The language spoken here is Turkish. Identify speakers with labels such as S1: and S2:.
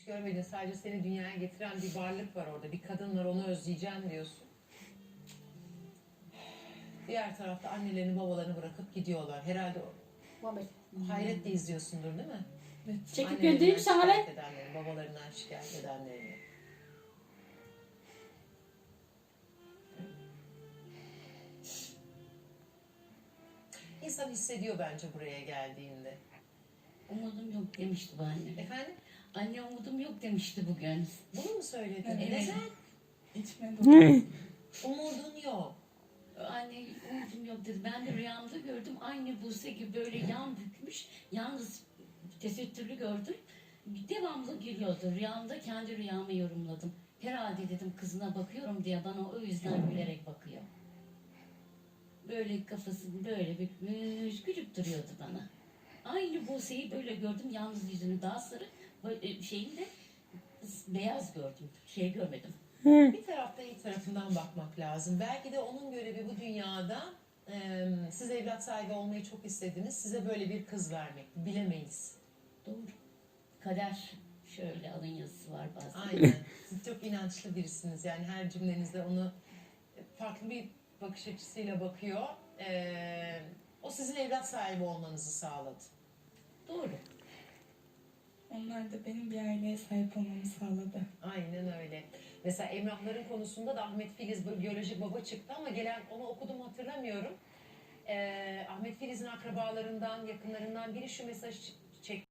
S1: görmedin, sadece seni dünyaya getiren bir varlık var orada. Bir kadın var, onu özleyeceğim diyorsun. Diğer tarafta annelerini babalarını bırakıp gidiyorlar. Herhalde hayretle izliyorsundur değil mi?
S2: Evet.
S3: Çekip
S1: Annelerinden
S3: göndereyim sana
S1: şikayet
S3: lan.
S1: edenlerini, babalarından şikayet edenlerini. İnsan hissediyor bence buraya geldiğinde.
S3: Umudum yok demişti bu anne.
S1: Efendim?
S3: Anne umudum yok demişti bugün.
S1: Bunu mu söyledin?
S2: Evet.
S1: Neden?
S2: İçime doğdu.
S1: Umudun yok.
S3: Anne umudum yok dedi. Ben de rüyamda gördüm. Aynı Buse gibi böyle yan bükmüş. Yalnız tesettürlü gördüm. Devamlı gülüyordu. Rüyamda kendi rüyamı yorumladım. Herhalde dedim kızına bakıyorum diye bana o yüzden gülerek bakıyor. Böyle kafasını böyle bükmüş, gülüp duruyordu bana. Aynı Buse'yi böyle gördüm. Yalnız yüzünü daha sarı, böyle şeyini de beyaz gördüm. Şey görmedim.
S1: Bir taraftan iyi tarafından bakmak lazım. Belki de onun görevi bu dünyada siz evlat sahibi olmayı çok istediniz. Size böyle bir kız vermek. Bilemeyiz.
S3: Doğru. Kader şöyle alın yazısı var bazen.
S1: Aynen. Siz çok inançlı birisiniz. Yani her cümlenizde onu farklı bir bakış açısıyla bakıyor. O sizin evlat sahibi olmanızı sağladı.
S3: Doğru.
S2: Onlar da benim bir aileye sahip olmamı sağladı.
S1: Aynen öyle. Mesela Emrahların konusunda da Ahmet Filiz biyolojik baba çıktı ama gelen onu okudum hatırlamıyorum. Ahmet Filiz'in akrabalarından, yakınlarından biri şu mesajı çekti.